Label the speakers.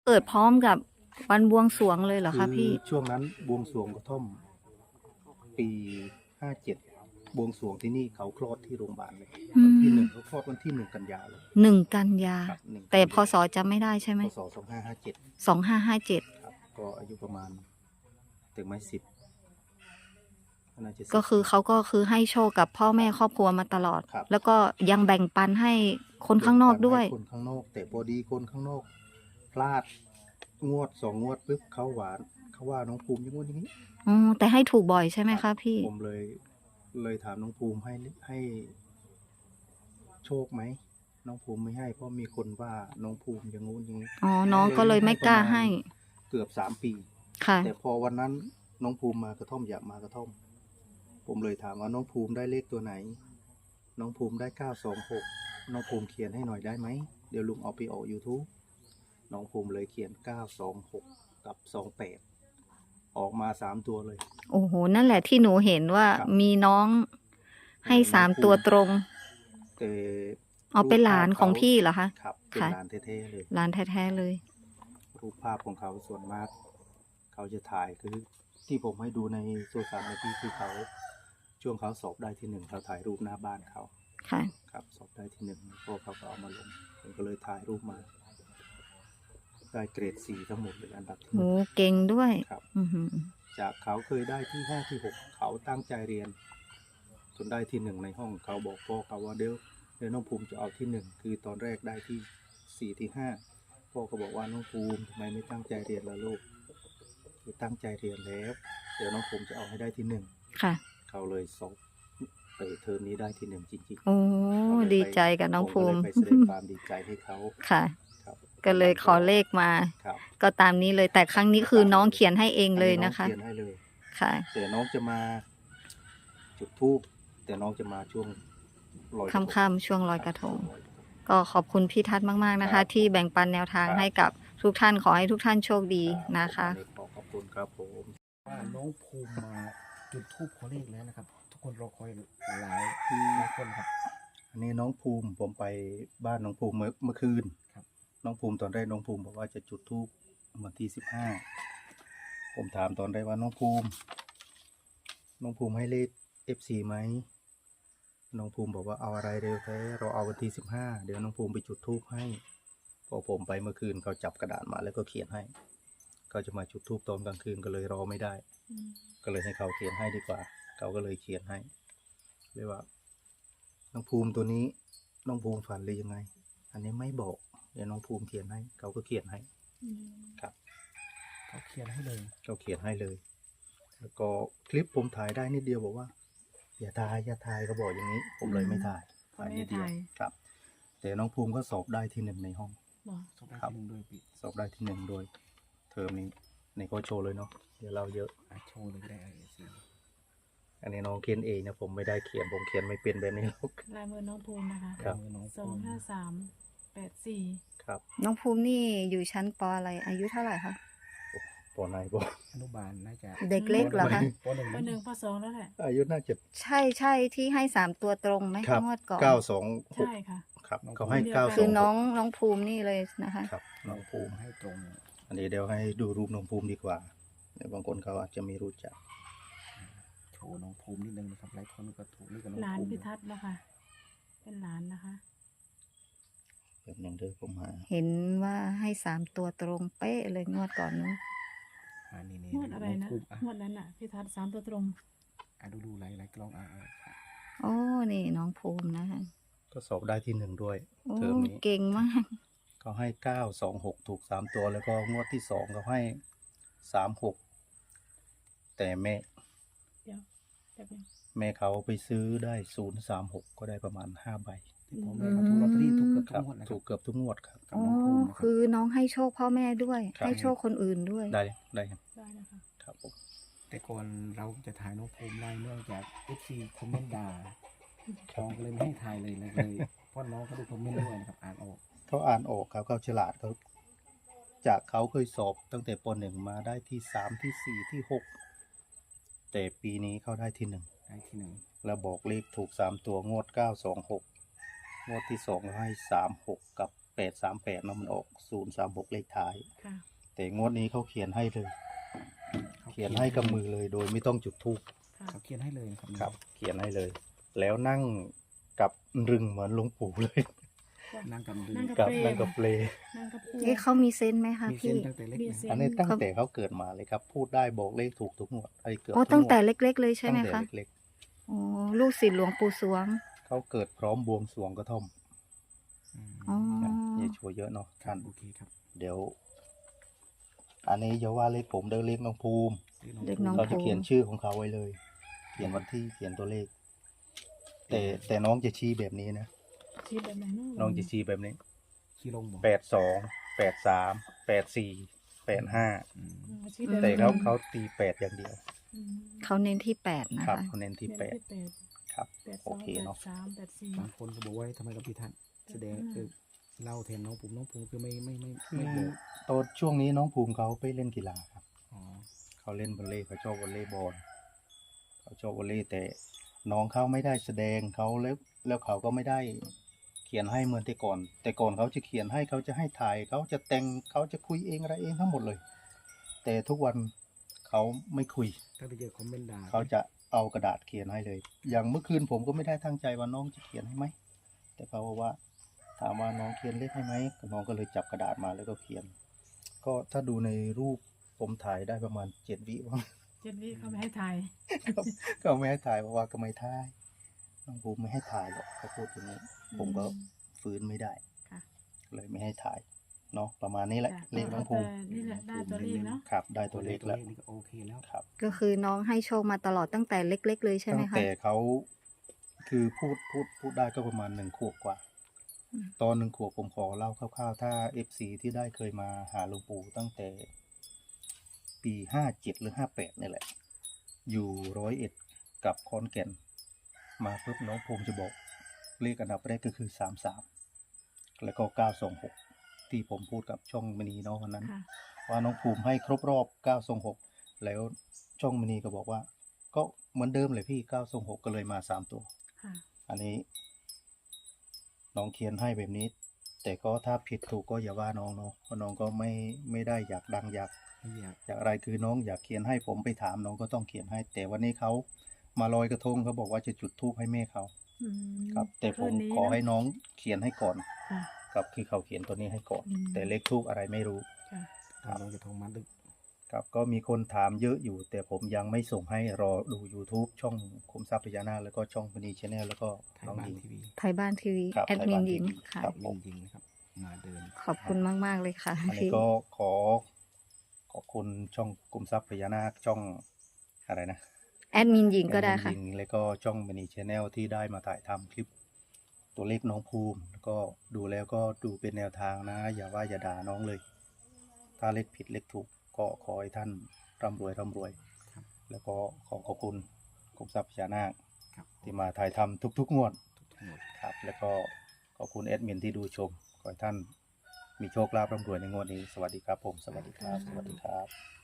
Speaker 1: เปิดพร้อมกับวันบวงสรวงเลยเหรอคะพี่
Speaker 2: ช่วงนั้นบวงสรวงกระท่อมปี57บวงสรวงที่นี่เขาคลอดที่โรงพยาบาลเลยวันที่1เขาคลอดวันที่1 กันยาเลย
Speaker 1: กันยาแต่พศจำไม่ได้ใช่ไหม
Speaker 2: พศ2557
Speaker 1: 2557
Speaker 2: ครับก็อายุประมาณถึงไม่10
Speaker 1: ก็คือเขาก็คือให้โชคกับพ่อแม่ครอบครัวมาตลอดแล้วก็ยังแบ่งปันให้คนข้างนอกด้วย
Speaker 2: คนข้างนอกแต่พอดีคนข้างนอกพลาดงวด2 งวดปุ๊บเขาว่าน้องภูมิอย่างงู้นอย่างนี้
Speaker 1: แต่ให้ถูกบ่อยใช่ไหมคะพี่
Speaker 2: ผมเลยถามน้องภูมิให้โชคไหมน้องภูมิไม่ให้เพราะมีคนว่าน้องภูมิอย่างงู้นอย่างนี้
Speaker 1: น้องก็เลยไม่กล้าให้
Speaker 2: เกือบ3 ปีแต่พอวันนั้นน้องภูมิมากระท่อมอยากมากระท่อมผมเลยถามว่าน้องภูมิได้เลขตัวไหนน้องภูมิได้926น้องภูมิเขียนให้หน่อยได้ไหมเดี๋ยวลุงเอาไปออก YouTube น้องภูมิเลยเขียน926กับ28ออกมา3 ตัวเลย
Speaker 1: โอ้โหนั่นแหละที่หนูเห็นว่ามีน้องให้3 ตัวตรงเอาเป็นหลานของพี่เหรอคะ
Speaker 2: ครับเป็นหลานแท้ๆเลย
Speaker 1: หลานแท้ๆเลย
Speaker 2: รูปภาพของเขาส่วนมากเขาจะถ่ายคือที่ผมให้ดูในโซเชียลมีเดียคือเขาช่วงเขาสอบได้ที่1เขาถ่ายรูปหน้าบ้านเขา
Speaker 1: ค่ะ
Speaker 2: ครับสอบได้ที่1พวกเขาก็เอามาลงผมก็เลยถ่ายรูปมาได้เกรด4ทั้งหมดเลยอันดับที่
Speaker 1: โอ้เก่งด้วย
Speaker 2: ครับจากเขาเคยได้ที่5ที่6เขาตั้งใจเรียนจนได้ที่1ในห้องเขาบอกพ่อเขาว่าเดี๋ยวน้องภูมิจะเอาที่1คือตอนแรกได้ที่4ที่5พ่อก็บอกว่าน้องภูมิทำไมไม่ตั้งใจเรียนล่ะลูกคือตั้งใจเรียนแล้วเดี๋ยวน้องภูมิจะเอาให้ได้ที่1ค่ะเขาเลยสอบไปเทอมนี้ได้ที่1จริงๆ
Speaker 1: โอ้ดีใจกับน้องภูมิ
Speaker 2: ไปแสดงความดีใจให้เขา
Speaker 1: ค่ะก็เลยขอเลขมาก็ตามนี้เลยแต่ครั้งนี้คือน้องเขียนให้เองเลยนะคะ
Speaker 2: เขียนให้เลย
Speaker 1: ค่ะ
Speaker 2: แต่น้องจะมาจุดธูปแต่น้องจะมาช่วง
Speaker 1: ค่ำๆช่วงลอยกระทงก็ขอบคุณพี่ทัศน์มากๆนะคะที่แบ่งปันแนวทางให้กับทุกท่านขอให้ทุกท่านโชคดีนะคะ
Speaker 2: ขอบคุณครับผม
Speaker 3: ว่าน้องภูมิมาจุดธูปขอเลขแล้วนะครับทุกคนรอคอยหลายคนครับ
Speaker 2: อันนี้น้องภูมิผมไปบ้านน้องภูมิเมื่อคืนน้องภูมิตอนแรกน้องภูมิบอกว่าจะจุดธูปวันที่15ผมถามตอนแรกว่าน้องภูมิให้เลข FC ไหมน้องภูมิบอกว่าเอาอะไรเร็วแท้เราเอาวันที่15เดี๋ยวน้องภูมิไปจุดธูปให้พอผมไปเมื่อคืนเขาจับกระดาษมาแล้วก็เขียนให้เขาจะมาจุดธูปตอนกลางคืนก็เลยรอไม่ได้ก็เลยให้เขาเขียนให้ดีกว่าเขาก็เลยเขียนให้เรียกว่าน้องภูมิตัวนี้น้องภูมิฝันหรือยังไงอันนี้ไม่บอกเดี๋ยวน้องภูมิเขียนให้เขาก็เขียนให้ครับ
Speaker 3: เขาเขียนให้เลย
Speaker 2: แล้วก็คลิปผมถ่ายได้นิดเดียวบอกว่าอย่าถ่ายเขาบอกอย่างนี้ผมเลยไม่ถ่ายนิดเดียวครับแต่น้องภูมิก็สอบได้ที่1ในห้อง
Speaker 3: ครับ
Speaker 2: สอบได้ที่1โดยเทอมนี้ในก็โชว์เลยเนาะเดี๋ยวเราเยอะ
Speaker 3: โชว์เลยได้
Speaker 2: อันนี้น้องเขียนเองนะผมไม่ได้เขียนผมเขียนไม่เป็นแบบนี้ลูก
Speaker 4: ลายมือน้องภูมินะคะ25384
Speaker 2: ครับ
Speaker 1: น้องภูมินี่อยู่ชั้นป.อะไรอายุเท่าไหร่คะ
Speaker 2: ป.ไหนป.
Speaker 3: อนุบาลน่าจะ
Speaker 1: เด็กเล็กเหรอคะ
Speaker 4: ป.1ป.2แล้วแหละ
Speaker 2: อายุน่าจะ
Speaker 1: ใช่ที่ให้3 ตัวตรงไหมงวดก่อน
Speaker 2: 926
Speaker 4: ใช่ค่ะ
Speaker 2: ครับเขาให้926
Speaker 1: คือน้องภูมินี่เลยนะคะ
Speaker 2: ครับน้องภูมิ
Speaker 3: ให้ตรง
Speaker 2: อันนี้เดี๋ยวให้ดูรูปน้องภูมิดีกว่าบางคนเขาอาจจะไม่รู้จัก
Speaker 3: โชว์น้องภูมินิดนึงนะครับหลายคนก็ถูกนี่กับน้องภูมิ
Speaker 4: หลานพิทัศน์นะคะเป็นหลานนะคะ
Speaker 2: แบบนึงเด้อผมมา
Speaker 1: เห็นว่าให้3 ตัวตรงเป๊ะเลยงวดก่อนนู้น
Speaker 4: งวดอะไรนะงวดนั้นน่ะพิทัศน์3 ตัวตรง
Speaker 3: ดูหลายกล้อง
Speaker 1: โอ้นี่น้องภูมินะคะ
Speaker 2: ก็สอบได้ที่1ด้วยเทอมนี้
Speaker 1: เก่งมาก
Speaker 2: เขาให้926ถูก3ตัวแล้วก็งวดที่2เขาให้36แต่แม่เขาไปซื้อได้036ก็ได้ประมาณ5ใบ
Speaker 3: ผมแม่เขาถูกลอตเตอรี่ถูกเกือบทุกงวด
Speaker 2: ถูกเกือบทุกงวดครับ
Speaker 1: คือน้องให้โชคพ่อแม่ด้วยให้โชคคนอื่นด้วย
Speaker 2: ได้
Speaker 4: นะคะ
Speaker 2: ครับผม
Speaker 3: แต่ก่อนเราจะถ่ายน้องภูมิได้เนื่องจาก FC คอมเมนต์ด่าน้องก็เลยไม่ให้ถ่ายเลยเพราะน้องเขาดูคอมเมนต์ด้วยนะครับ
Speaker 2: เขาอ่านออกครับเขาฉลาดเขาจากเขาเคยสอบตั้งแต่ป.1มาได้ที่3ที่4ที่6แต่ปีนี้เขาได้ที่1แล้วบอกเลขถูก3ตัวงวด926งวดที่2ให้36กับ 838เนาะมันออก036เลขท้าย
Speaker 4: ค่ะ
Speaker 2: แต่งวดนี้เขาเขียนให้เลย เขียนให้กับมือเลย โดยไม่ต้องจุดธูป
Speaker 4: ค่ะ
Speaker 3: เขาเขียนให้เลยนะครับ
Speaker 2: ครับ เขียนให้เลย แล้วนั่งกับรึงเหมือนหลวงปู่เลย
Speaker 3: นั่งกับดื
Speaker 4: นั่ง
Speaker 3: อ
Speaker 4: กับ
Speaker 2: นั่งกับเปล
Speaker 4: นั่งกับปู
Speaker 1: เอ๊ะเขามีเซนส์ไหมคะ
Speaker 3: มีเส้น
Speaker 1: พี่
Speaker 3: ตั้งแต่เล็ก
Speaker 4: มี
Speaker 3: นะ
Speaker 4: เส้น
Speaker 2: อันนี้ตั้งแต่เขาเกิดมาเลยครับ พูดได้บอกเลขถูกทุกงวดไอ้เกือบ
Speaker 1: โอ้
Speaker 2: ทุก
Speaker 1: ตั้งแต่
Speaker 2: งวด
Speaker 1: เล็กๆเลยใช่ไหม
Speaker 2: ตั้งแต่
Speaker 1: คะ
Speaker 2: เล็ก
Speaker 1: โอ้ลูกศิษย์หลวงปู่สวง
Speaker 2: ๆเขาเกิดพร้อมบวงสรวงกระท่อม
Speaker 1: อ๋อ
Speaker 2: อย่าชัวร์เยอะเนาะ
Speaker 3: ครั
Speaker 2: ท่า
Speaker 3: บ
Speaker 2: น
Speaker 3: โอเคครับ
Speaker 2: เดี๋ยว อันนี้อย่าว่าเลขผมเดินเลขน้องภูมิ
Speaker 1: เด็กน้อง
Speaker 2: เราจะเขียนชื่อของเขาไว้เลย เขียนวันที่เขียนตัวเลข แต่น้องจะชี้แบบนี้นะ
Speaker 4: ชี้แบบไหนเนาะ
Speaker 2: น้องจะชี้แบบนี้
Speaker 3: ขี้ลงบอก
Speaker 2: 82 83 85
Speaker 3: อืม
Speaker 4: ชี้แบบ
Speaker 2: แต่เขาตี8อย่างเดียว
Speaker 4: อืม
Speaker 1: เขาเน้นที่แปดนะ
Speaker 2: ครับ
Speaker 1: คะ
Speaker 2: เขาเน้นที่
Speaker 4: เดือน
Speaker 2: 8ครับ
Speaker 4: แปด
Speaker 2: โอเคเนาะ
Speaker 4: 8 2 8 3 8 4
Speaker 3: บางคนก็บอกว่าทำไมกับพี่ทัศน์แสดงเล่าแทนน้องผมคือไม่
Speaker 2: คื
Speaker 3: ไม่
Speaker 2: อ
Speaker 3: บอก
Speaker 2: ตอนช่วงนี้น้องภูมิเขาไปเล่นกีฬาครับ
Speaker 3: อ๋อ
Speaker 2: เขาเล่นวอลเลย์เขาชอบวอลเลย์บอลเขาชอบวอลเลย์แต่น้องเขาไม่ได้แสดงเขาแล้วเขาก็ไม่ได้เขียนให้เหมือนแต่ก่อน แต่ก่อนเขาจะเขียนให้เขาจะให้ถ่ายเขาจะแต่งเขาจะคุยเองอะไรเองทั้งหมดเลย แต่ทุกวันเขาไม่คุย
Speaker 3: ถ้าไปเจอคอมเมนต์ด่า
Speaker 2: เขาจะเอากระดาษเขียนให้เลย อย่างเมื่อคืนผมก็ไม่ได้ตั้งใจว่าน้องจะเขียนให้ไหมแต่เขาบอกว่าถามว่าน้องเขียนเลขให้ไหมน้องก็เลยจับกระดาษมาแล้วก็เขียน ก็ถ้าดูในรูปผมถ่ายได้ประมาณ7 วิว่า
Speaker 4: 7 วิเขาไม่ให้ถ่าย
Speaker 2: ก็ไม่ให้ถ่ายเพราะว่าก็ไม่ถ่ายน้องภูมิไม่ให้ถ่ายหรอกเขาพูดอย่างนี้ ผมก็ฟื้นไม่ได้
Speaker 4: ค่ะ
Speaker 2: เลยไม่ให้ถ่ายเนาะประมาณนี้แหละ
Speaker 4: จ้ะ
Speaker 2: เลขน้องภูมิ
Speaker 4: แต่นี่แหละได้ตัวเลขเนาะ
Speaker 2: ครับ ได้ตัวเลขแล้ว
Speaker 3: นี่ก็โอเคแล้ว
Speaker 2: ครับ
Speaker 1: ก็คือน้องให้โชคมาตลอดตั้งแต่เล็ก ๆ เลยใช่ไหม
Speaker 2: ตั้ง
Speaker 1: คะ
Speaker 2: แต่เขาคือพูดได้ก็ประมาณ1 ขวบกว่า
Speaker 1: อืม
Speaker 2: ตอน1 ขวบผมขอเล่าคร่าวๆถ้า FC ที่ได้เคยมาหาหลวงปู่ตั้งแต่ปี57หรือ58นี่แหละ อยู่101กับขอนแก่น มาปุ๊บน้องภูมิจะบอกเลขอันดับแรกก็คือ33แล้วก็926ที่ผมพูดกับช่องมณีเนาะวันนั้น
Speaker 4: ค่ะ
Speaker 2: ว่าน้องภูมิให้ครบรอบ926แล้วช่องมณีก็บอกว่า ก็เหมือนเดิมเลยพี่926ก็เลยมา3 ตัว
Speaker 4: ค่ะ
Speaker 2: อันนี้ น้องเขียนให้แบบนี้ แต่ก็ถ้าผิดถูกก็อย่าว่าน้องเนาะเพราะน้องก็ไม่ได้อยากดังอยาก
Speaker 3: ไม่อยาก
Speaker 2: อยากอะไรคือน้องอยากเขียนให้ผมไปถามน้องก็ต้องเขียนให้ แต่วันนี้เขามาลอยกระทงเขาบอกว่าจะจุดธูปให้แม่เขา
Speaker 4: อืม
Speaker 2: ครับ แต่ผม
Speaker 4: คืนนี้
Speaker 2: ขอให้
Speaker 4: เนะ
Speaker 2: น้องเขียนให้ก่อน
Speaker 4: ค่ะ
Speaker 2: ครับคือเขาเขียนตัวนี้ให้ก่อน
Speaker 4: อืม
Speaker 2: แต่เลขทูปอะไรไม่รู้
Speaker 4: ค่ะ
Speaker 2: ครับ
Speaker 3: น้องจะโทรมาดึก
Speaker 2: ครับก็มีคนถามเยอะอยู่ แต่ผมยังไม่ส่งให้รอดู YouTube ช่องคุมทรัพย์พญานาคแล้วก็ช่องพนีชแนลแล้วก็
Speaker 3: ไทย
Speaker 2: น้อง
Speaker 3: บ้าน
Speaker 2: หญิง
Speaker 3: ทีวี
Speaker 1: ไทยบ้านทีวี
Speaker 2: ครับ
Speaker 1: แอดมิน
Speaker 2: ไทยบ้าน
Speaker 1: หญิง
Speaker 2: TV
Speaker 1: ค่ะ
Speaker 2: ครับ ผม
Speaker 3: จริงๆนะครับ มาเดิน
Speaker 1: ขอบคุณมาก ๆ เลยค่ะ
Speaker 2: อันนี้
Speaker 1: พี่
Speaker 2: ก็ขอบคุณช่องคุมทรัพย์พญานาคช่องอะไรนะ
Speaker 1: แอดมินหญิงก็ได้ค่ะ
Speaker 2: หญิงแล้วก็ช่องมณีชแนลที่ได้มาถ่ายทำคลิป ตัวเลขน้องภูมิแล้วก็ดูแล้วก็ดูเป็นแนวทางนะ อย่าว่าอย่าด่าน้องเลย ถ้าเลขผิดเลขถูกก็ขอให้ท่านร่ำรวย
Speaker 3: ครับ
Speaker 2: แล้วก็ขอบคุณคุมทรัพย์พญานาค
Speaker 3: ครับ
Speaker 2: ที่มาถ่ายทำทุกๆงวด
Speaker 3: ทุกหมด
Speaker 2: ครับ แล้วก็ขอบคุณแอดมินที่ดูชม ขอให้ท่านมีโชคลาภร่ำรวยในงวดนี้ สวัสดีครับผม สวัสดีครับ สวัสดีครับ